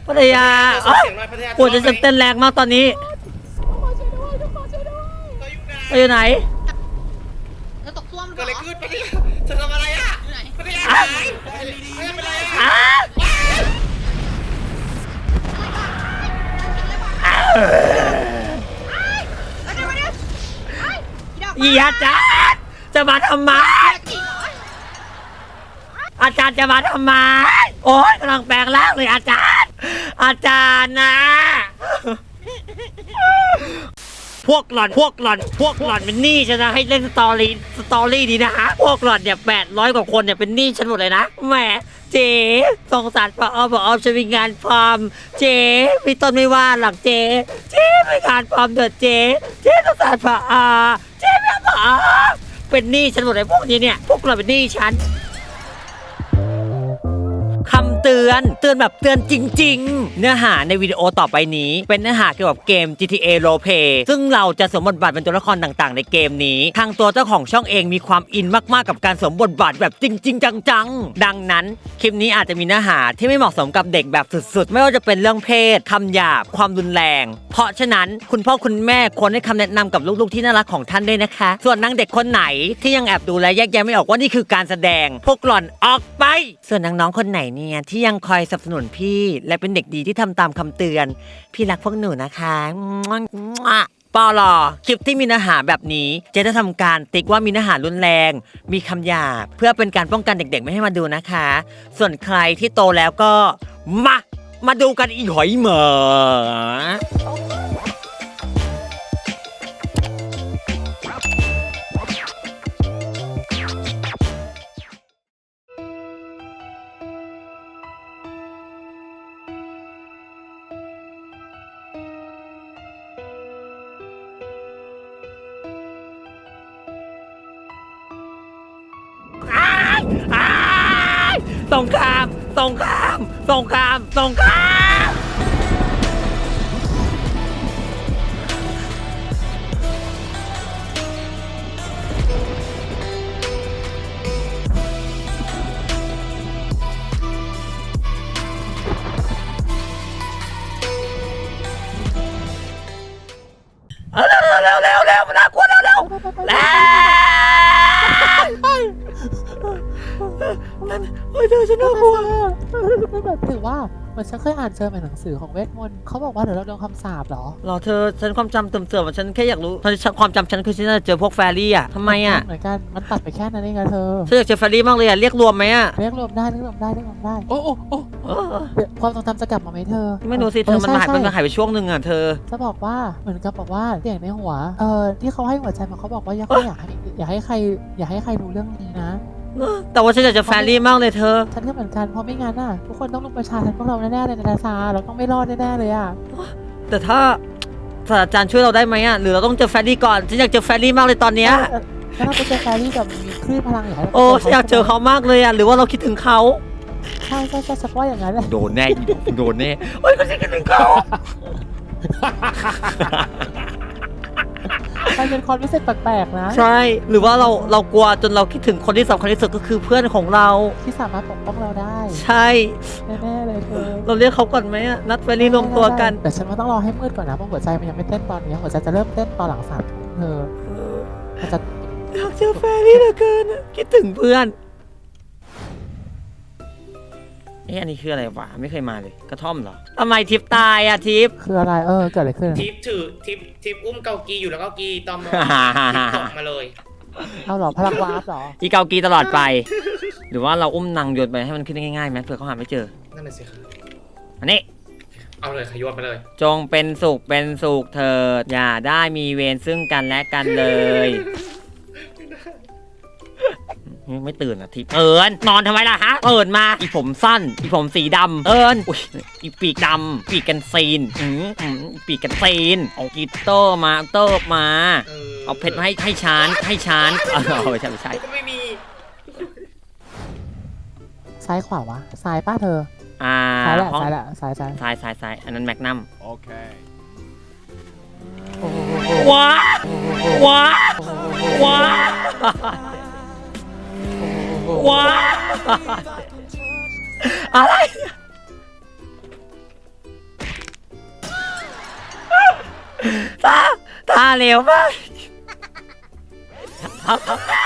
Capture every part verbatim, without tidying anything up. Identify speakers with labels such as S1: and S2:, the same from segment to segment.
S1: พัทยาปวดจะเต้นแรงมากตอนนี้ไปอยู่ไหน
S2: เธอตกซ่วมเหรอ
S3: เกิดอะไรขึ้นพัทยาเธอทำอะไรอ่ะพัทยาไหนพัทยาเป็นอะไรอ่ะ
S1: อีอาจารย์จะมาทำไมอาจารย์จะมาทำไมโอ๊ยกำลังแปลงร่างเลยอาจารย์อาจารย์นะพวกหล่อนพวกหล่อนพวกหล่อนเป็นหนี้ฉันนะให้เล่นสตอรี่สตอรี่ดีนะฮะพวกหล่อนเนี่ยแปดร้อยกว่าคนเนี่ยเป็นหนี้ฉันหมดเลยนะแหมเจ๊สงสารป้าอ้อมป้าอ้อมฉันมีงานฟาร์มเจ๊พี่ต้นไม่ว่าหลักเจ๊เจ๊มีงานฟาร์มเดือดเจ๊เจ๊สงสารป้าอาเจ๊ไม่ป้าอาเป็นหนี้ฉันหมดเลยพวกนี้เนี่ยพวกหล่อนเป็นหนี้ฉันคำเตือนเตือนแบบเตือนจริงๆเนื้อหาในวิดีโอต่อไปนี้เป็นเนื้อหาเกี่ยวกับเกม จี ที เอ Roleplay ซึ่งเราจะสวมบทบาทเป็นตัวละครต่างๆในเกมนี้ทางตัวเจ้าของช่องเองมีความอินมากๆกับการสวมบทบาทแบบจริงๆจังๆดังนั้นคลิปนี้อาจจะมีเนื้อหาที่ไม่เหมาะสมกับเด็กแบบสุดๆไม่ว่าจะเป็นเรื่องเพศคำหยาบความรุนแรงเพราะฉะนั้นคุณพ่อคุณแม่ควรให้คำแนะนำกับลูกๆที่น่ารักของท่านด้วยนะคะส่วนนางเด็กคนไหนที่ยังแอบดูและแยกแยะไม่ออกว่านี่คือการแสดงพวกหล่อนออกไปส่วนน้องๆคนไหนเนี่ยที่ยังคอยสนับสนุนพี่และเป็นเด็กดีที่ทำตามคำเตือนพี่รักพวกหนูนะคะปอลอคลิปที่มีเนื้อหาแบบนี้จะได้ทำการติ๊กว่ามีเนื้อหารุนแรงมีคำหยาบเพื่อเป็นการป้องกันเด็กๆไม่ให้มาดูนะคะส่วนใครที่โตแล้วก็มามาดูกันอีหอยเหมอสงครามสงครามสงครามสงครามเร็วเร็วเร็วเร็วมันน่ากลัวเร็วเร็วแล้วเฮ้ยเธอฉันน่ากลัว
S4: แบบถือว่าเหมือนฉันเคยอ่านเจอในหนังสือของเวทมนต์เขาบอกว่าเดี๋ยวเราโดนคำสาปหรอ
S1: หรอเธอฉันความจำเติมเสื่อมฉันแค่อยากรู้ความจำฉันคือฉันจะเจอพวกแฟรี่อ่ะทำไมอ่ะ
S4: เหมือนกันมันตัดไปแค่นั้นเองอะเธอ
S1: ฉันอยากเจอแฟรี่มากเลยอ่ะเรียกรวมไหมอ่ะ
S4: เรียกรวมได้เรียกรวมได้เรียกรวมได้โอ้โอ้โอ้ความทรงจำจะกลับมาไหมเธอ
S1: ไม่รู้สิเธอมันหายมันหายไปช่วงหนึ่งอ่ะเธอ
S4: จะบอกว่าเหมือนกับบอกว่าเสียงในหัวเออที่เขาให้หัวใจมาเขาบอกว่าอยากให้อยากให้ใครอยากให้ใครรู้เรื่องนี้นะ
S1: แต่ว่าฉันอยากจะแฟรี่มากเลยเธอ
S4: ฉันก็เหมือนกันเพราะไม่งั้นอ่ะทุกคนต้องลุกประชาทันพวกเราแน่ๆเลยนะซาเราต้องไม่รอดแน่ๆเลยอ่ะ
S1: แต่ถ้าศาสตราจารย์ช่วยเราได้ไหมอ่ะหรือเราต้องเจอแฟรี่ก่อนฉันอยากเจอแฟรี่มากเลยตอนเนี้ย
S4: ถ้าเราไปเจอแฟรี่แบบมีคลื่นพลังอย่างไร
S1: โอ้ฉันอยากเจอเขามากเลยอ่ะหรือว่าเราคิดถึงเขา
S4: ใช่ใช่ใช่ฉันว่าอย่างนั้นแหละ
S1: โดนแน่โดนแน่โอ้ยก็ฉันคิดถึงเขา
S4: มันเป็นความรู้สึกแปลกๆนะ
S1: ใช่หรือว่าเราเรากลัวจนเราคิดถึงคนที่สำคัญที่สุดก็คือเพื่อนของเรา
S4: ที่สามารถปกป้องเราได้
S1: ใช่
S4: แน่ๆเลยเธอ
S1: เราเรียกเขาก่อนไหมอะนัดแฟรี่รวมตัวกัน
S4: แต่ฉันว่าต้องรอให้มืดก่อนนะเพราะหัวใจมันยังไม่เต้นตอนนี้หัวใจจะเริ่มเต้นตอนหลังสามเธอมันจะ
S1: อยากเจอแฟรี่เหลือเกินคิดถึงเพื่อนเอ๊ะอันนี้คืออะไรวะไม่เคยมาเลยกระท่อมเหรอทำไมทิปตายอะทิป
S4: คืออะไรเออเกิดอะไรขึ้น
S3: ทิปถือทิปทิปอุ้มเกากีอยู่แล้วเกากีตอมตกมาเลย
S4: เอาหรอพลังวาร์ปหรอ
S1: อีเกากีตลอดไปหรือว่าเราอุ้มนางโยนไปให้มันขึ้นง่ายๆไหมเผื่อเขาหาไม่เจอ
S3: นั่นแหละสิครับ
S1: อันนี้
S3: เอาเลยขยโยนไปเลย
S1: จงเป็นสุขเป็นสุขเถิดอย่าได้มีเวรซึ่งกันและกันเลยไม่ตื่นอ่ะทิพย์เอิญนอนทำไมล่ะฮะเอิญมาอีผมสั้นอีผมสีดำเอิญอุ้ยอีปีกดำปีกกันซีนอืมอืมปีกกันซีนเอากีเตอร์มาเตอร์มาเอาเพชรมาให้ให้ชานให้ชานเออไม่ใช่ไม่ใช่
S3: ก็ไม่มี
S4: ซ้ายขวาวะซ้ายป้าเธอ
S1: อ่า
S4: ซ้ายแหละซ้ายแหละซ้ายซ้าย
S1: ซ้ายซ้ายซ้ายอันนั้นแมกนัม
S5: โอเค
S1: ว้าว้าว้าว้าอะไรตาตาเหลวมากเอา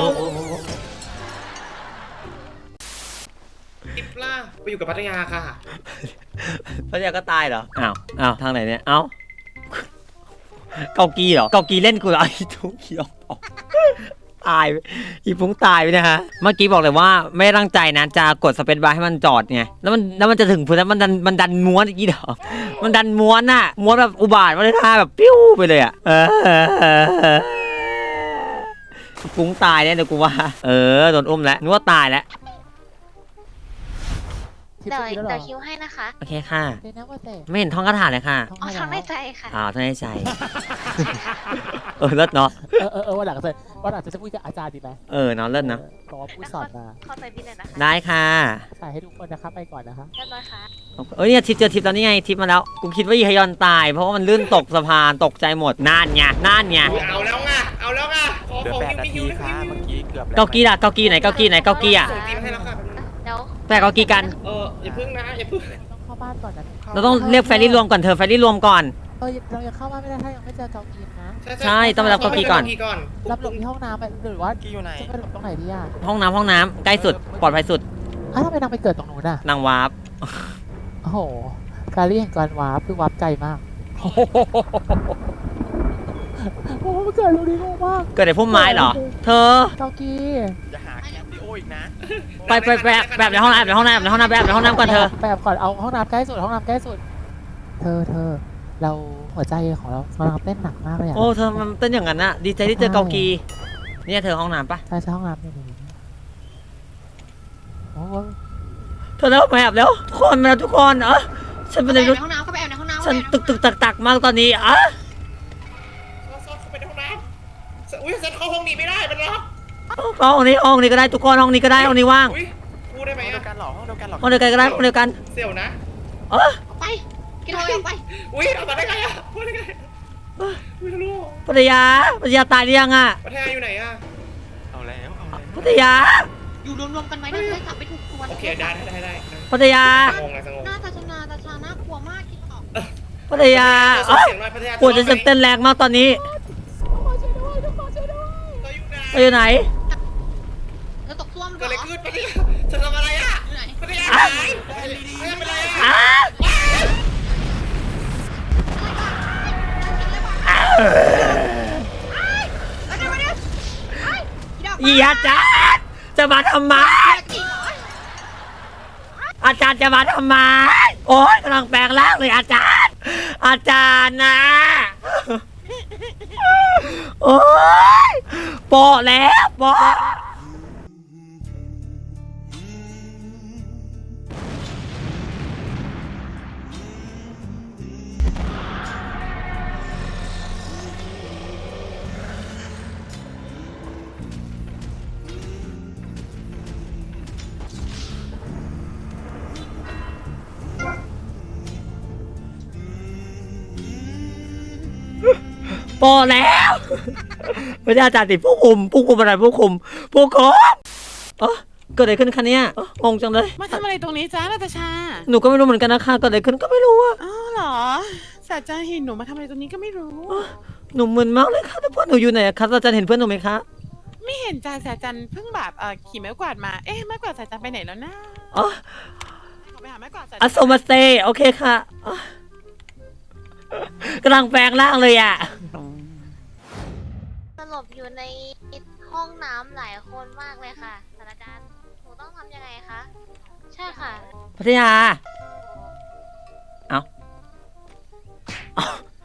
S3: ทิปล่าไปอยู่กับพัทยาค่ะ
S1: พระเจ้าก็ตายเหรออ้าวอ้าวทางไหนเนี่ยเอ้าเกากีเหรอเกากีเล่นกูเหรอไอ้ทุกเขียวตายอีพุงตายไปนะฮะเมื่อกี้บอกเลยว่าไม่ตั้งใจนะจะกดสเปซบาร์ให้มันจอดไงแล้วมันแล้วมันจะถึงพื้นแล้วมันดันมันดันม้วนอีกเหรอมันดันม้วนน่ะม้วนแบบอุบาทมาเลยท่าแบบปิ้วไปเลยอ่ะเออพุงตายเนี่ยเดี๋ยวกูว่าเออโดนอุ้มแล้วนึกว่าตายแล้ว
S4: ทิป
S5: เดี๋ยว
S4: จะมีแล้วเหร
S5: เดี๋
S4: อ
S5: ยวคิวให้นะคะ
S1: โอเคค่ะ
S4: เดี๋ยวนะว่าแต่
S1: ไม่เห็นท่องคาถาเลยค่ะ
S4: ท้อง
S5: อ๋อ
S4: ให้
S5: ทำใน
S4: แล้ว
S5: ใจค่ะ
S1: อ่าท่องในใจเออเลิศเนาะ
S4: เออเออเออวันหลังจะวันหลังจะพูดกับอาจารย์ดีไหม
S1: เออเนาะเลิศเนาะ
S4: เพราะว่าพูดสอนมา
S5: เข้าใจพี่เลยนะคะ
S1: ได้ค่ะ
S4: ใส่ให้ทุกคนนะครับไปก่อนนะคะ
S5: เรียบร้อยค่ะ
S1: เอ้ยเนี่ยทิปเจอทิปแล้วนี่ไงทิปมาแล้วกูคิดว่าอีฮยอนตายเพราะว่ามันลื่นตกสะพานตกใจหมดน่านไงน่านไง
S3: เอาแล้วไงเอาแล้วไงขอ
S6: เหลือ
S3: ของ
S6: แปด
S3: ฮิว
S6: นา
S3: ฮิ
S6: ที
S3: วฮิว
S6: ค่ะเมื่อกี้เกือบแล้ว
S1: เกากีล่ะเกากีไหนเกากีไหนเกากีอ่ะ
S3: ส่งทีมให้แล้วค่ะ
S5: เดี๋ยว
S1: แปะเกากีกัน
S3: เอออย่าพึ่งนะอย่าพึ่ง
S4: ต้องเข้าบ้านก่อนนะ
S1: เราต้องเรียกแฟรี่รวมก่อนเธอแฟรี่รวมก่อน
S4: เออเรายังเข้าบ้านไม่ได้ถ้ายังไม่เจอเกากีนนะ
S1: ใช่ต้องไปรับเกากีก่อน
S4: รับหลบที่ห้องน้ำไปหรือว่า
S6: กี้อยู่ไหน
S4: จะไปหลบตรงไหนดีอ่ะ
S1: ห้องน้ำห้องน้ำใกล้สุดปลอดภัยสุด
S4: อ้าวทำไมนางไปเกิดตรงนู้นอ่ะ
S1: นางวาร์ป
S4: โอ้โหการเรียกการวาร์ปคือวาร์ปไกลมากโอ้โหโอ้โหมันเกิดตรงนี้งงมาก
S1: เกิดในพุ่มไม้เหรอ เธอ
S4: เกากี
S6: อย่าหาแคปดิโออีกนะ
S1: ไปไปไปแบบแบบในห้องน้ำในห้องน้ำในห้องน้ำแบบในห้องน้ำก่อนเธอ
S4: แบบก่อนเอาห้องน้ำใกล้สุดห้องน้ำใกล้สุด เธอเธอเราหัวใจของเรากำลังเต้นหนักมากเลยอ่ะ
S1: โอ้เธอมันเต้นอย่างนั้นอะดีใจที่เจอเกากีเนี่ยเธอห้องน้ำปะ
S4: ใช่ใช่ห้องน้ำนี่นี่นี่โอ้โห
S1: เธอแล้วมาแอบแล้วทุกคนมาแล้วทุกคนเออฉัน
S2: ไป
S1: เป็น
S2: แอ
S1: ใน
S2: บ
S1: ร
S2: ใน
S1: ถ
S2: ห้องน้ำก็ไปแอบในห้องน้ำ
S1: ฉันตึกตึกตักตักมากตอนนี้อ่ะ
S3: ซอสเข้าไปในห้องน้ำอุ้ยฉันเข้าห้องนี้ไม่ได้มันล็อก
S1: ห้องนี้ห้องนี้ก็ได้ทุกคนห้องนี้ก็ได้ห้องนี้ว่าง
S3: อุ้ยพูดได้ไหม
S6: ห้องเดีย
S3: อะ
S6: วกันเหรอห้องเดียวกันเหรอ
S1: ห้องเดียวกันก็ได้ห้องเดียวกัน
S3: เสี่ยวนะ
S1: เออ
S2: ไปกินเลยออกไป
S3: อุ้ยเอามาได้ไงอะพูดได้ไงอุ้ยทะลุ
S1: ปัทยาปัทยาตายหรือยังอ่ะ
S3: พัทยาอยู่ไหนอะ
S6: เอาแล้วเอาแล้ว
S1: ปัทยา
S2: อยู่รวมๆกันไว้นะจะได้กลับไปถูกตัว
S3: โอเคได้ได้ได้ได้
S1: ปัทยา
S3: สงบเลยสงบ
S2: หน้าตาชนาตาชาน่ากลัวมากคิดออก
S1: ปัทยา
S3: เอ
S1: เอ้ย
S3: เสียงหน่อยพัทยา
S1: ปวดจะเต้นแรงมากตอนนี้
S3: เธออยู่ไหน
S1: ไปอยู่ไหน
S2: แล้วตกซ่วมเหร
S3: เกิดอะไร
S2: อ
S3: ขึ้นพัทยาเธอทำอะไรอะ
S2: อยู่ไหน
S3: พัทยาหายพัทยาเป็นไรอะ
S1: อ้า
S2: แล้วเดี๋ยวเดี๋ยวไอ้อีดอก
S1: อีอาจารย์จะมาทำไม
S2: จริงเหรอ
S1: อาจารย์จะมาทำไมโอ๊ยกำลังแปลงร่างเลยอาจารย์ อาจารย์นะโอ๊ยโปะแล้วโปะโปะแล้วไม่ใช่อาจารย์ติดผู้คุมผู้คุมอะไรผู้คุมผู้คุมเออเกิดอะไรขึ้นคะเนี่ยเอ้องงจังเลย
S7: มาทำอะไรตรงนี้จ้านาตาชา
S1: หนูก็ไม่รู้เหมือนกันนะคะเกิดอะไรขึ้นก็ไม่รู้อะ
S7: อ้าวเหรอศาสตราจารย์เห็นหนูมาทำอะไรตรงนี้ก็ไม่รู้
S1: หนูมึนมากเลยค่ะแล้วเพื่อนหนูอยู่ไหนอะคะอาจารย์เห็นเพื่อนหนูไหมคะ
S7: ไม่เห็นจ้าศาสตราจารย์เพิ่งแบบเอ่อขี่ไม้กวาดมา เอ๊ะไม้กวาดศาสตราจารย์ไปไหนแล้วนะ
S1: อ๋อ
S7: ขอไปหาไม้กวาดศาสตรา
S1: อั
S7: จาร
S1: สโซมาสเตย์โอเคค่ะอ๋อกำลังแปลงร่างเลยอะ
S5: สลบอยู่ในห้องน้ำหลายคนมากเลยค่ะศาสตราจารย์หนูต้องทำยังไงคะ ใช่ค่ะ
S1: พัทยาเอาเอา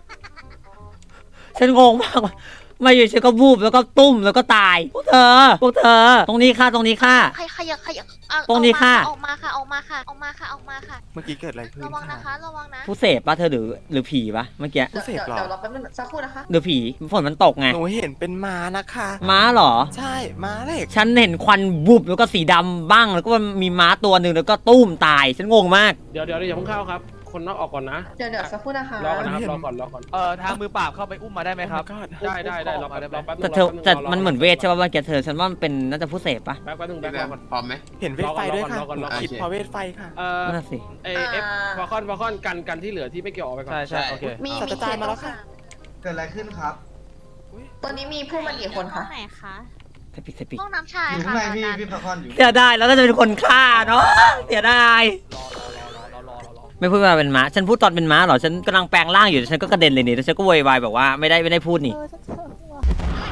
S1: ฉันงงมาก มาอยู่ฉันก็บูบแล้วก็ตุ้มแล้วก็ตาย พวกเธอ พวกเธอ ตรงนี้ค่ะ ตรงนี้ค่ะ
S5: ใครขยับขยับอ่ะ
S1: ตรงนี้ค่ะ
S5: ออกมาค่ะ ออกมาค่ะ ออกมาค่ะ ออกมาค่ะ
S6: เมื่อกี้เกิดอะไรขึ้น
S5: ระวังนะ
S6: ค่ะ
S5: คะ ระวังนะ
S1: ผู้เสพปะเธอหรือหรือผีปะเมื่อกี้
S6: ผู้เสพเหรอ
S2: เดี๋ยวเราแป๊บนึงสักครู่นะคะ
S1: หรือผีฝนมันตกไง
S6: หนูเห็นเป็นม้านะคะ
S1: ม้าเหรอ
S6: ใช่ม้าเหล็ก
S1: ฉันเห็นควันบุบแล้วก็สีดำบ้างแล้วก็มีม้าตัวหนึ่งแล้วก็ตุ้มตาย ฉันงงมาก
S8: เดี๋ยวเดี๋ยวอย่าเพิ่งเข้าครับ คนนอกออกก่อนนะ
S2: เดี๋ยวเดี๋ยวสักครู่นะคะ
S8: รอก่อนนะครับรอก่อนรอก่อน
S9: เอ่อทางมือปราบเข้าไปอุ้มมาได้ไหมครับ
S6: Oh my god
S8: ได้ได้ได้รอแป๊บรอแป๊บนึง
S1: แต่เธอ
S8: รอ
S1: แต่
S8: แป๊บง
S1: มันเหมือนเวทใช่ป่ะเมื่อกี้เธอฉันว่ามันเป็นน่าจะผู้เสพปะ
S8: แป๊บแป๊บนึงแป๊บรอก่อน
S3: พร้อมไหม
S6: เห็นเวทไฟด้วยค่ะ
S8: รอก่อน
S6: ห
S8: ร
S6: นู
S8: อก่อน
S6: คิดเพราะเวทไฟค่ะ
S8: เอ่อ
S1: นั่นนะสิ
S8: เอเอฟวาคอนวาคอนกันกันที่เหลือที่ไม่เกี่ยวออกไปก่อน
S9: ใช่ใช่โอเค
S2: มี
S6: ศาสตราจารย์มาแล้วค่ะ
S10: เกิดอะไรขึ้นครับ
S2: ตอนนี้มีผู้มากี่คนคะ
S5: ไหนคะ
S1: สปิสปิ
S5: ห้องน้ำชาย
S10: อยู่ข้าง
S5: ค่ะ
S10: ในพี่
S5: อาจารย์
S10: พี่พักผ่อนอยู่
S1: เสียดายแล้วก็จะเป็นคนฆ่าเนาะเสียดายไม่พูดว่าเป็นม้าฉันพูดตอนเป็นม้าเหรอฉันกำลังแปลงร่างอยู่ฉันก็กระเด็นเลยนี่แล้วฉันก็โวยวายแบบว่าไม่ได้ไม่ได้พูดนี่
S4: เออฉันเจอหัว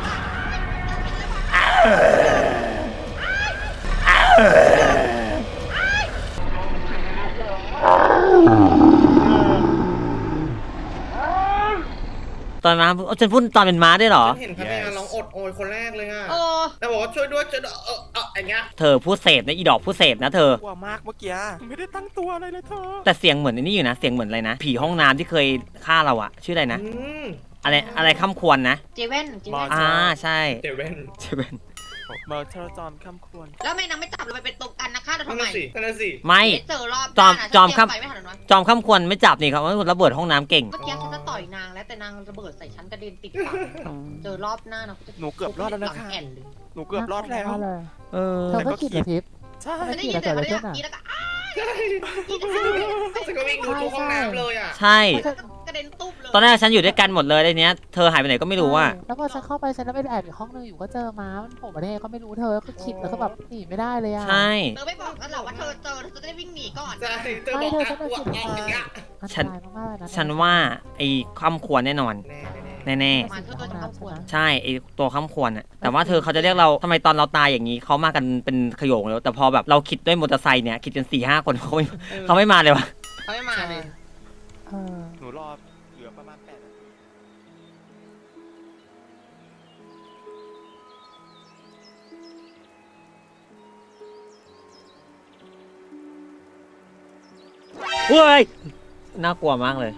S1: ตอนม้าฉันพูดตอนเป็นม้าได้เหรอ
S3: ฉันเห็นพนักงานร้องอดโอยคนแรกเลยอ่ะ
S2: โอ้
S3: แล้วบอกว่าช่วยด้วยช่วยด้วยเออเอออย่างเงี้ย
S1: เธอพูดเสพนะอีดอกพูดเสพนะเธอ
S6: กลัวมากเมื่อกี้ไม่ได้ตั้งตัวอะไรเลยเธอ
S1: แต่เสียงเหมือนไอ้นี่อยู่นะเสียงเหมือนอะไรนะผีห้องน้ำที่เคยฆ่าเราอะชื่ออะไรนะ
S3: อืม
S1: อะไรอะไรค่ำควรนะ
S2: เจเว่นเจเว่น
S1: อ่าใช่
S3: เดเวน
S1: ใช่เป็น
S6: เมอร์เทอร์จอมคำควร
S2: แล้วไม่นางไม่จับเราไปเป็นตัวกันนะฆ่าเรา
S3: นั่
S2: ทำ
S3: น
S2: ไม
S3: น่ะสินั่นน่ะสิ
S1: ไม่
S2: ไม่เจอรอบ
S1: จอม
S2: หน้านะ
S1: จอมครับ
S2: เตยไปไม่ทันหรอกน้อย
S1: จอมค่ำควรไม่จับนี่ครับว่าระเบิดห้องน้ำเก่ง
S2: เมื่อกี้ฉันจะต่อยนางแล้วแต่นางระเบิดใส่ฉันกระเด็นติดปากเจอรอบหน้านะ
S6: หนูเกือบรอดแล้วนะคะ
S2: หงแอนเลย
S6: หนูเกือบรอดแล้ว
S4: น่ากลัเลย
S1: เออ
S4: เธอก็คิดเหรอทิพย์
S6: ใช่
S2: ฉันได้ยินเสียงเขาเนี่ยกรีดแล้วก็อ้า
S3: ใช่ฉันก็วิ่งดูทุกห้องน้ำเลยอ่ะ
S1: ใช่
S2: กระเด็นตุ๊บเลย
S1: ตอนแรกฉันอยู่ด้วยกันหมดเลยในเนี้ยเธอหายไปไหนก็ไม่รู้ว่า
S4: แล้วพอฉันเข้าไปฉันก็ไปแอบอยู่ห้องนึงอยู่ก็เจอม้ามันโผล่มาได้ไงก็ไม่รู้เธอก็คิดแล้วก็แบบหนีไม่ได้เลยอ่ะ
S1: ใช่
S2: เธอไม่บอกกันหรอกว่าเธอเจอเธอจะได้วิ่งหนีก่อน
S3: ใช่เธอบอกอ่ะอ้วกออกอย่างเงี้ย
S4: อันต
S1: ฉัน
S4: รายมากๆเลยนะ
S1: ฉันว่าไอ้ค่ำควรแน่นอน
S3: แน่แน่
S1: แน่
S2: มาเธอตัวจะเข้าควร
S1: ๆใช่ไอ้ตัวค่ำควรอะแต่ว่าเธอเขาจะเรียกเราทำไมตอนเราตายอย่างนี้เขามากันเป็นขโยงแล้วแต่พอแบบเราคิดด้วยมอเตอร์ไซค์เนี่ยคิดกันสี่ห้าคนเขาไม่เขาไม่มาเลยวะ
S2: เขาไม่มาเลย
S4: เออ
S6: หนูรอเหลือประมาณแปดนาที
S1: เฮ้ยน่ากลัวมากเลย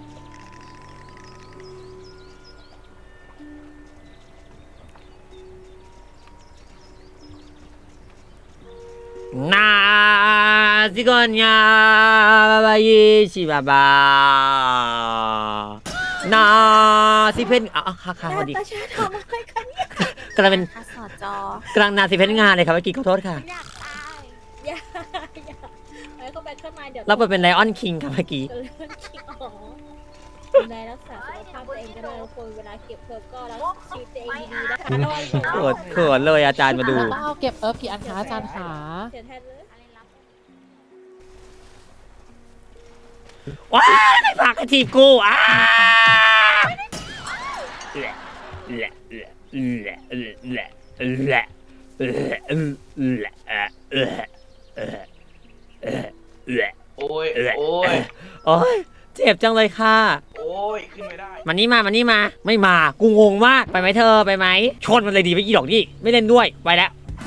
S1: นาซิกอนยาบาบายิชิบาบานาซิเพนอ่ะค่ะค่ะสวัสดี
S5: ตาชาทำอะไรกันเนี่ย
S1: กำลังเป็น
S5: อาสอจอก
S1: ำลังนาซิเพนงานเลยครับเมื่อกี้ขอโทษค่ะ
S5: อยากตายอย่าอย่าไอ้เข้าไปข้างในเดี๋ยว
S1: เราไปเป็นไลออนคิงครับเมื่อกี้
S5: เรื่องคิงอ๋อดูแลรักษาสุขภาพตัวเองกันด้วยทุกคนเวลาเก็บเพิ่มก็รักชีวิตตัวเองดีๆนะคะระวัง
S1: เขินเขินเลยอาจารย์มาดู
S4: ต้องเอาเก็บเอิร์ฟกี่อันคะอาจารย์ขา
S5: เสียแทนเลย
S1: ว้ายไม่ฝากกระทีบกูอ้าแหละแหละแหละแหละแหละแหละแหละแหละแหละ
S3: โอ้ยโอ้ย
S1: โอ้ยเจ็บจังเลยค่ะ
S3: โอ้ยขึ้นไม่ได้
S1: มานี่มามานี่มา ไม่มา กูงงมาก ไปไหมเธอ ไปไหม ชนมันเลยดีไปอีดอกนี่ ไม่เล่นด้วย ไปแล้ว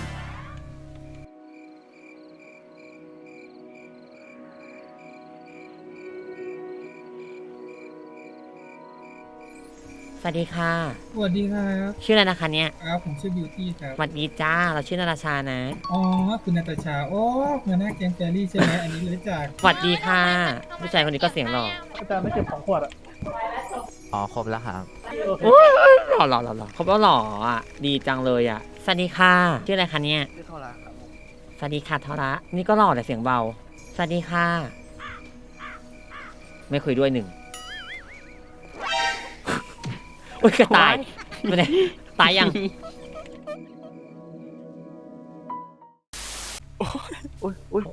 S1: สวัสดีค่ะ
S10: สวัสดีครับ
S1: ชื่ออะไรนะคะเนี่ย
S10: ครับผมชื่อบิวตี้ครับ
S1: สวัสดีจ้า เราชื่อนาราชานะ
S10: อ๋อคุณนาตาชาโอ้หัวหน้าแก๊งแฟรี่ใช่ไหมอันนี้รู้จัก
S1: สวัสดีค่ะ ผู้ชายคนนี้ก็เสียงหล่อ
S8: อาจารย์ไม่เก็บของขวดอ่ะ
S9: อ๋อ ครบแล้วครับ
S1: หล่อหล่อหล่อหล่อเขาบอกหล่ออ่ะ ดีจังเลยอ่ะ สวัสดีค่ะ ชื่ออะไรคะเนี่ย
S6: ชื่อเท่าไหร่ครับ
S1: สวัสดีค่ะทอระนี่ก็หล่อแต่เสียงเบา สวัสดีค่ะ ไม่คุยด้วยหนึ่ง โอ้ยกระต่ายไม่ได้ตายยัง
S6: อุ้ยอุ้ย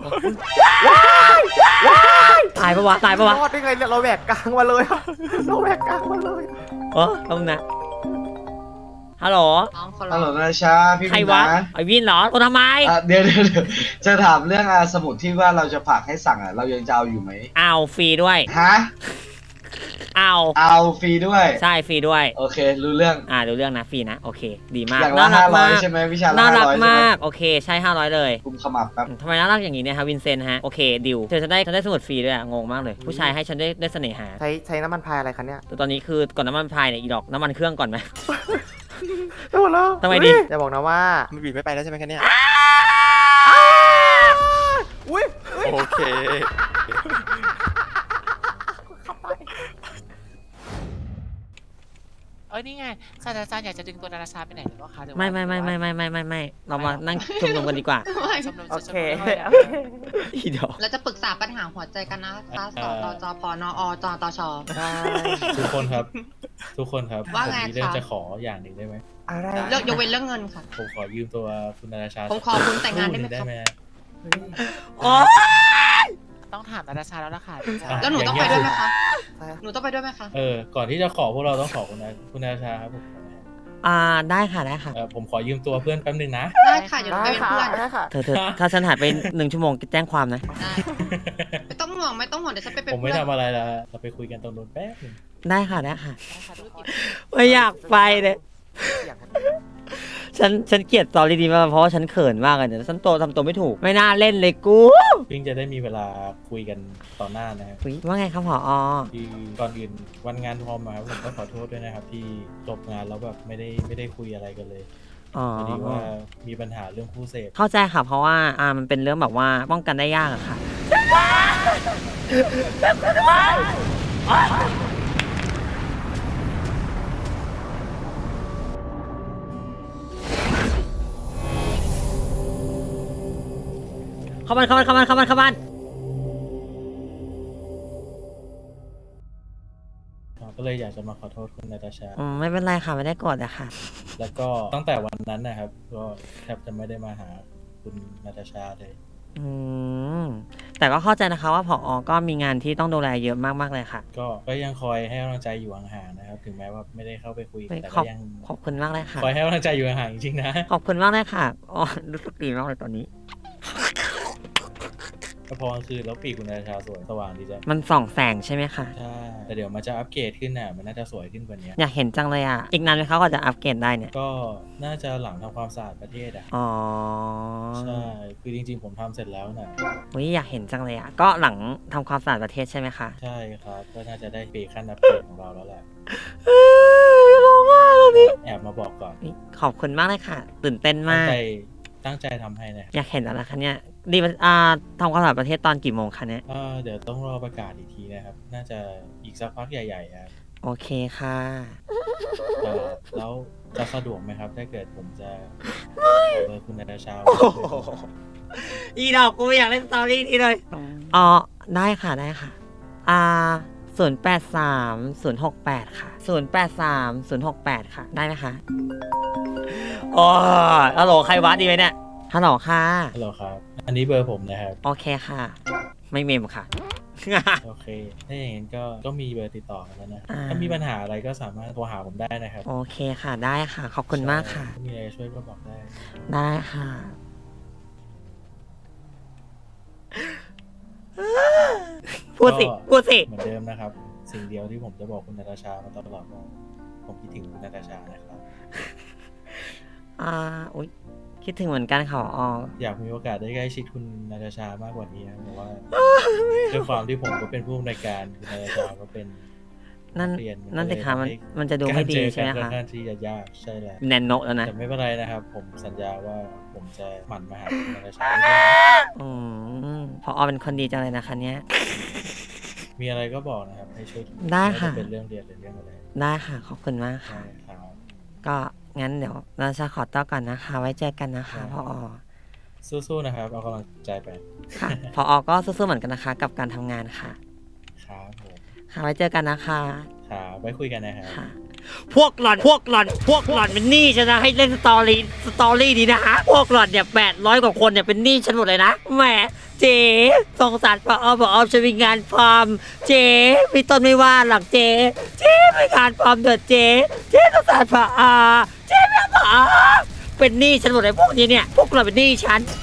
S1: ตายปะวะ ตายปะวะ
S6: รอดได้ไงเนี่ยเราแหวกกลางมาเลยอะเราแหวกกลางมาเลย
S1: เออต้องนะ ฮัลโหล
S2: น้องคน
S10: ฮัลโหล
S2: ละ
S10: นาตาชาพี่
S1: ใคร
S10: วิน
S1: วะ
S10: นะ
S1: ไอวินเหรอโทรทำไม
S10: อ่ะเดี๋ยวเดี๋ยวเดี๋ยวจะถามเรื่องอ่ะสมุดที่ว่าเราจะฝากให้สั่งอ่ะเรายังจะเอาอยู่ไหม
S1: เอาฟรีด้วย
S10: ฮะ
S1: เอา
S10: เอาฟรีด้วย
S1: ใช่ฟรีด้วย
S10: โอเค รู้เรื่อง
S1: อ่าดูเรื่องนะฟรีนะ โอเค ดีมาก
S10: อย่างละห้าร้อย
S1: ก
S10: ใช่ไหมวิชาละ
S1: น่า
S10: ห้า
S1: รัก
S10: ร้อยใช่ไหม
S1: มาก โอเค ใช่ห้าร้อยเลย
S10: กุมขมับแป๊บ
S1: ทำไมน่ารักอย่างนี้เนี่ยฮะวินเซนต์ฮะ โอเคดิวเธอจะได้ฉันได้สมุดฟรีด้วยอะงงมากเลย ผู้ชายให้ฉันได้ได้เสน่หา
S6: ใช้ใช้น้ำมันพายอะไรคะเนี่ย
S1: แต่ตอนนี้คือก่อนน้ำมันพายเนี่ยอีดอกน้ำมันเครื่องก่อนไหม
S6: ได้หมดแล้ว
S1: ทำไมดี
S6: จะบอกนะว่ามันบีบไม่ไปแล้วใช่ไหมคะเนี่ยอุ้ยโอเค
S4: เอ้ยนี่ไงศาสตราจารย์อยากจะดึงตัวนาราชาไปไหนหรือเปล่าคะหรือว่า
S1: ไม่ไม่ไม่ไม่ไม่ไม่ไม่ไม่เรามานั่งชุมนุมกันดีกว่า
S4: ชมรม
S6: โอ
S4: ช
S6: เค
S4: มรม
S6: โอเค
S1: อีดอก
S2: เราจะปรึกษาปัญหาหัวใจกันนะคะสตตจปนอจตช
S6: ได้
S8: ทุกคนครับทุกคนครับ
S2: ว่า
S8: ผม
S2: ไง
S8: มีเรื่อง
S2: คะ
S8: จะขออย่างหนึ่งได้ไหม
S6: อะไร
S2: เลิกยกเว้นเรื่องเงินค่ะ
S8: ผมขอยืมตัวคุณนาราชา
S2: ผมขอคุณแต่งงานได้ไหม
S8: ได้
S2: ครับ
S8: ไหม
S1: โอ้
S4: ต้องถามนาตาชาแล้วล่ะค่ะ
S2: แล้วหนูต้องไปด้วยไหมคะหนูต้องไปด้วยไหมคะ
S8: เออก่อนที่จะขอพวกเราต้องขอคุณนาคุณนาราชาครับผม
S1: อ่าได้ค่ะได้ค่ะ
S8: เออผมขอยืมตัวเพื่อนแป๊บนึงนะ
S2: ได้ค่ะเดี๋ยวหนูไปเป็นเพื่อน
S6: ได้ค่ะ
S1: เธอเธอถ้าฉันหายไปหนึ่งชั่วโมงแจ้งความนะ
S2: ได้ไม่ต้องห่วงไม่ต้องห่วงเดี๋ยวฉันไปเป็น
S8: ผมไม่
S2: เพื่อน
S8: ทำอะไรละเราไปคุยกันตรงนู้นแป๊บนึง
S1: ได้ค่ะได้ค่ะไม่อยากไปเลยฉันฉันเกลียดสตอรี่นี้มากเพราะว่าฉันเขินมากเลยเนี่ยฉันโตทำตัวไม่ถูกไม่น่าเล่นเลยกู
S8: เพิ่งจะได้มีเวลาคุยกันต่อหน้านะครับ
S1: อุ๊ยว่าไงครับผอ
S8: ที่ก่อนอื่นวันงานทอมมาครับผมก็ขอโทษด้วยนะครับ ที่จบงานแล้วแบบไม่ได้ไม่ได้คุยอะไรกันเลย
S1: อ๋อ
S8: พอดีว่ามีปัญหาเรื่องผู้เสพ
S1: เข้าใจค่ะเพราะว่าอ่ามันเป็นเรื่องแบบว่าป้องกันได้ยากอะค่ะเข้าบ้านเข้าบ้านเข้าบ้านเข้าบ้านเข้าบ้าน
S8: ก็เลยอยากจะมาขอโทษคุณนาตาชา
S1: อืมไม่เป็นไรค่ะไม่ได้โกรธอะค่ะ
S8: แล้วก็ตั้งแต่วันนั้นนะครับ ก็แทบจะไม่ได้มาหาคุณนาตาชาเลย
S1: อืมแต่ก็เข้าใจนะคะว่าผอก็มีงานที่ต้องดูแลเยอะมากๆเลยค่ะ
S8: ก็ก็ยังคอยให้กำลังใจอยู่ห่างๆนะครับ ถึงแม้ว่าไม่ได้เข้าไปคุย
S1: เฮ้ย
S8: แต่
S1: ข
S8: ก็
S1: อบ
S8: ยัง
S1: ขอบคุณมากเลยค่ะ
S8: คอยให้กำลังใจอยู่ห่างๆจริงๆนะ
S1: ขอบคุณมากเลยค่ะอ๋อรู้สึกดีมากเลยตอนนี้
S8: ก็พอกลางคืนแล้วปีกคุณนาตาชาสวยสว่างดีจ้ะ
S1: มันส่องแสงใช่ไหมคะ
S8: ใช่แต่เดี๋ยวมันจะอัปเกรดขึ้นน่ะมันน่าจะสวยขึ้นกว่านี้
S1: อยากเห็นจังเลยอ่ะ อีกนานไหมเขาก็จะอัปเกรดได้เนี่ย
S8: ก็น่าจะหลังทำความสะอาดประเทศอ่ะ
S1: อ๋อ
S8: ใช่คือจริงๆผมทำเสร็จแล้วน่ะ
S1: อุ้ยอยากเห็นจังเลยอ่ะ ก็หลังทำความสะอาดประเทศใช่ไหมคะ
S8: ใช่ครับก็น่าจะได้ปีขั้นอัปเกรดของเราแล้วแหละ
S1: ร้องไห้แล้วนี่
S8: แอบมาบอกก่อน
S1: ขอบคุณมากเลยค่ะ ตื่นเต้น
S8: ตั้
S1: มาง ก
S8: ใจตั้งใจทำให้นะครับ
S1: อยากเห็นอะไรคะเนี่ยดีมันอ่าทำความสะอาดประเทศตอนกี่โมงคะเนี่ย
S8: เอ่อเดี๋ยวต้องรอประกาศอีกทีนะครับ น่าจะอีกสักพักใหญ่ๆครับ
S1: โอเคค่ะ
S8: เออแล้วจะสะดวกไหมครับ ถ้าเกิดผมจะขอเบอร์คุณนาตาชา
S1: อีดอกกูไม่อยากเล่นสตอรี่นี้เลยอ๋อได้ค่ะได้ค่ะ อ่าศูนย์แปดสามศูนย์หกแปดค่ะศูนย์แปดสามศูนย์หกแปดค่ะ ได้ไหมคะโอ้ฮัลโหลใครวะดีไหมเนี่ยฮัลโหลค่ะ
S8: ฮัลโหลครับ อันนี้เบอร์ผมนะครับ
S1: โอเคค่ะ ไม่เมมค่ะ
S8: โอเค ถ้าอย่างนั้นก็ก็มีเบอร์ติดต่อกันแล้วนะ
S1: อ่า
S8: ถ้ามีปัญหาอะไรก็สามารถโทรหาผมได้นะครับ
S1: โอเคค่ะได้ค่ะ ขอบคุณมากค่ะ
S8: ถ้ามีอะไรช่วยก็บอกได้
S1: ได้ค่ะ พูดสิ พูดสิ
S8: เหมือนเดิมนะครับ สิ่งเดียวที่ผมจะบอกคุณนาตาชามาตลอดว่าผมคิดถึงคุณนาตาชานะครับ
S1: อ่าอุ๊ยคิดถึงเหมือนกันค่ะออ
S8: อยากมีโอกาสได้ใกล้ชิดคุณนาตาชามากกว่านี้ครับเพราะว่าด้วยความที่ผมก็เป็นผู้อำนวยการคุณนาตาชาก็เป็น
S1: นั่น
S8: นักเรีย
S1: นั่นสิคะมัน
S8: ก็เลยทำให้
S1: มันจะดูไม่ดีใช่ไหม
S8: การเจอกันค่อ
S1: คะ
S8: นข้างที่จะยากใช่แล้ว
S1: แนนโนแล้วนะ
S8: แต่ไม่เป็นไรนะครับ ผมสัญญาว่าผมจะหมั่นมาหาคุณนาตาชาด้วย
S1: อืมพออเป็นคนดีจังเลยนะคะเนี่ย
S8: มีอะไรก็บอกนะครับ ให้ช่วย
S1: ได้ค่ะ
S8: ม่ว่าจเป็นเรื่องเรียนหรือเรื่องอะไร
S1: ได้ค่ะ ขอบคุณมาก
S8: ใช่
S1: ค่ะ
S8: ครับ
S1: ก็งั้นเดี๋ยวเราจะขอตัวก่อนนะคะ ไว้เจอกันนะคะ
S8: ได้
S1: พออ
S8: สู้ๆนะครับ เอากำลังใจไป
S1: ค่ะ พออก็สู้ๆเหมือนกันนะคะ กับการทำงานค่ะ
S8: ครับผม
S1: ค่ะไว้เจอกันนะคะ
S8: ครับไว้คุยกันนะครับ
S1: ค่ะ พวกหล่อน พวกหล่อน พวกหล่อนเป็นหนี้ฉันนะให้เล่นสตอรี่ สตอรี่นี้นะคะ พวกหล่อนเนี่ยแปดร้อยกว่าคนเนี่ยเป็นหนี้ฉันหมดเลยนะ แหม เจ๊สงสารพออพออจะมีงานฟาร์ม เจ๊มีต้นไม่ว่าหลักเจ๊เจ๊มีงานฟาร์มเดือดเจ๊เจ๊สงสารพออเจ๊ไม่พออเป็นหนี้ฉันหมดเลยพวกนี้เนี่ย พวกหล่อนเป็นหนี้ฉัน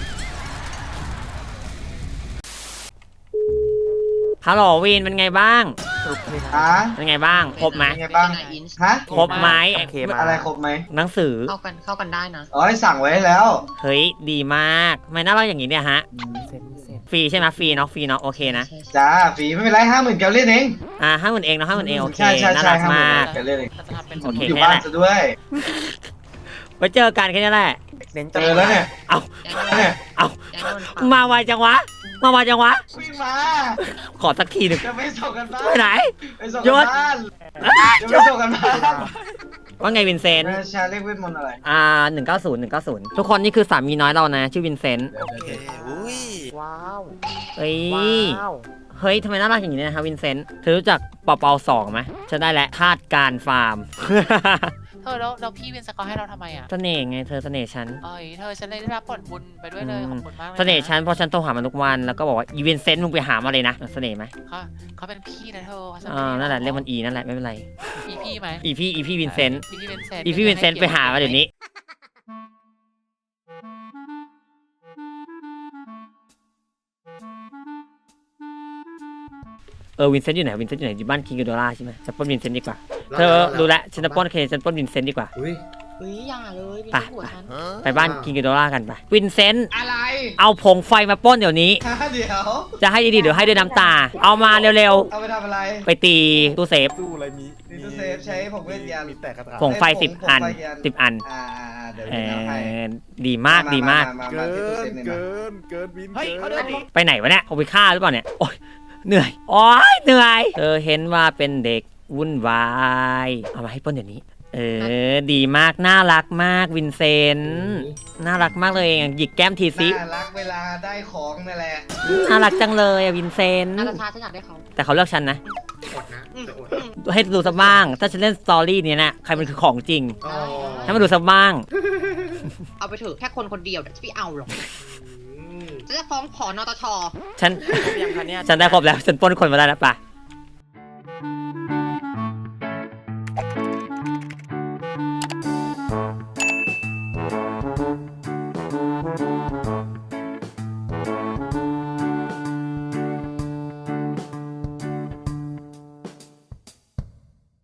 S1: ฮัลโหลวีนเป็นไงบ้าง
S10: ฮะ
S1: เป็นไงบ้าง ครบไหม
S10: เป็นไงบ้าง
S2: เป็นไงอินช์
S10: ฮะ
S1: ครบไหม
S6: โอเคมา
S10: อะไรครบไหม
S1: หนังสือ
S2: เข้ากันเข้ากันได้นะ
S10: อ๋อสั่งไว้แล้ว
S1: เฮ้ย ดีมากทำไมน่ารักอย่างนี้เนี่ยฮะ
S6: เซ็นเซ็น
S1: ฟรีใช่ไหมฟรีเนาะฟรีเนาะโอเคนะ
S2: ใช่ใช่
S10: จ้าฟรีไม่เป็นไรห้าหมื่นแกลเล่นเอง
S1: อ่าห้าหมื่นเองเนาะห้าหมื่นเองโอเค
S10: ใช่ใช่
S1: น่า
S10: ใช่
S1: รัก
S10: ห้าหมื่น
S1: มาก
S10: แกลเล่นเอง
S7: เราจะทำเป็น
S1: โอเค
S10: อยู่
S1: แค่
S10: บ้า
S1: นั้น นแหละ
S10: ซะด้วย
S1: ไว้เจอกันแค่นี้แหละ
S6: เน้น
S10: เจอแล้วเนี่ย
S1: เอา
S10: เนี่ย
S1: เอา
S2: แจ้งโดนปรับ
S1: มาไวจังวะ มาไวจังวะ
S10: วิ่งมา
S1: ขอสักทีหนึ่ง
S10: จะไปส่งกันบ้าน
S1: ไปไหน
S10: ไปส่ง
S1: หยุ
S10: กัน
S1: ด
S10: บ้าน
S1: อ้า
S10: จะไปส่งกันบ้าน
S1: ว่าไงวินเซนต์
S10: ชาเรียกเวทมนต์อะไร
S1: อ่าหนึ่งเก้าศูนย์หนึ่งเก้าศูนย์ทุกคนนี่คือสามีน้อยเรานะ ชื่อวินเซนต์
S6: โอเคอุ้ยว้าว
S1: เอ้ย
S6: ว้าว
S1: เฮ้ยทำไมน่ารักอย่างนี้นะครับวินเซนต์เธอรู้จักปอเปาสองไหมฉันได้แล้วธาตุการฟาร์ม
S4: เธอแล้วแล้วพี่วินสกอร์ให้เราทำไมอ่ะ
S1: เสน่ห์ไงเธอเสน่ห์ฉัน
S4: เอ้ยเธอฉันเลยได้รับผลบุญไปด้วยเลยขอบคุณมากเลย
S1: เสน่ห์ฉันเพราะฉันโทรหามันทุกวันแล้วก็บอกว่าอีวินเซนต์มึงไปหามาเลยนะเสน่ห์ไหม
S4: เขาเขาเป็นพี่นะเธอเขา
S1: อ่านั่นแหละเรียกมันอีนั่นแหละไม่เป็นไร
S4: พี่พี่ไหม
S1: อีพี่อีพี่วินเซนต์
S4: พี่วินเซนต์
S1: อีพี่วินเซนต์ไปหามาเดี๋ยวนี้เออวินเซนต์อยู่ไหนวินเซนต์อยู่ไหนอยู่บ้านคิงโดล่าใช่ไหมฉันปล้นวินเซนต์ดีกว่าเธอรู้แล้วฉันจะปล้นเคฉันปล้นวินเซนต์ดีกว่า
S3: อุ้ย
S2: เฮ้ยอย่าเลยพี่
S1: ไป
S2: หัวฉัน
S1: ไปบ้านคิงโดล่ากันไปวินเซนต์
S10: อะไร
S1: เอาผงไฟมาปล้นเดี๋ยวนี้
S10: ฮะเดี๋ยว
S1: จะให้ดีๆเดี๋ยวให้ด้วยน้ำตา เอามาเร็ว
S10: เอาไปทำอะไร
S1: ๆไปตีตู้เซฟ
S6: ตู้อะไรมี
S10: นิโตเซฟใช้ผมเวทยัน
S6: มีแต่กระถาง
S1: ผงไฟสิบอันสิบอัน
S10: อ่าอ่าอ่าเดี๋ยว
S1: เอ
S10: พี่เอาให้
S1: อดีมากดีมาก
S10: มา
S6: เกิ
S10: มาที่ตู้เซฟ
S6: น
S10: นี่มา
S6: เกิน เกินวิน
S3: เฮ้ยเขาเดินดิ
S1: ไปไหนวะเนี่ยเอาไปฆ่าหรือเปล่าเนี่ยโอ๊ยเหนื่อยโอ๊ยเหนื่อยเธอเห็นว่าเป็นเด็กวุ่นวายเอามาให้ปล้นเดี๋ยวนี้ เออดีมากน่ารักมากวินเซนต์น่ารักมากเลยหยิกแก้มทีซิ
S10: น่ารักเวลาได้ของนั่นแหละ
S1: น่ารักจังเลยอะวินเซนต์
S2: นาตาชาฉันอยากได้เขา
S1: แต่เขาเลือกฉันนะ
S3: อดนะจะอด
S1: ให้ดูสักบ้าง ถ้าฉันเล่นสตอรี่เนี้ยนะใครมันคือของจริง
S3: อ๋อ
S1: ให้มาดูสักบ้าง
S2: เอาไปเถอะแค่คนคนเดียวเดี๋ยวจะไม่เอาหรอกฉันจะฟ้องขอนตช
S1: ฉัน
S6: ยังคะเนี่ย
S1: ฉันได้ครบแล้ว ฉันปล้นคนมาได้แล้วป่ะ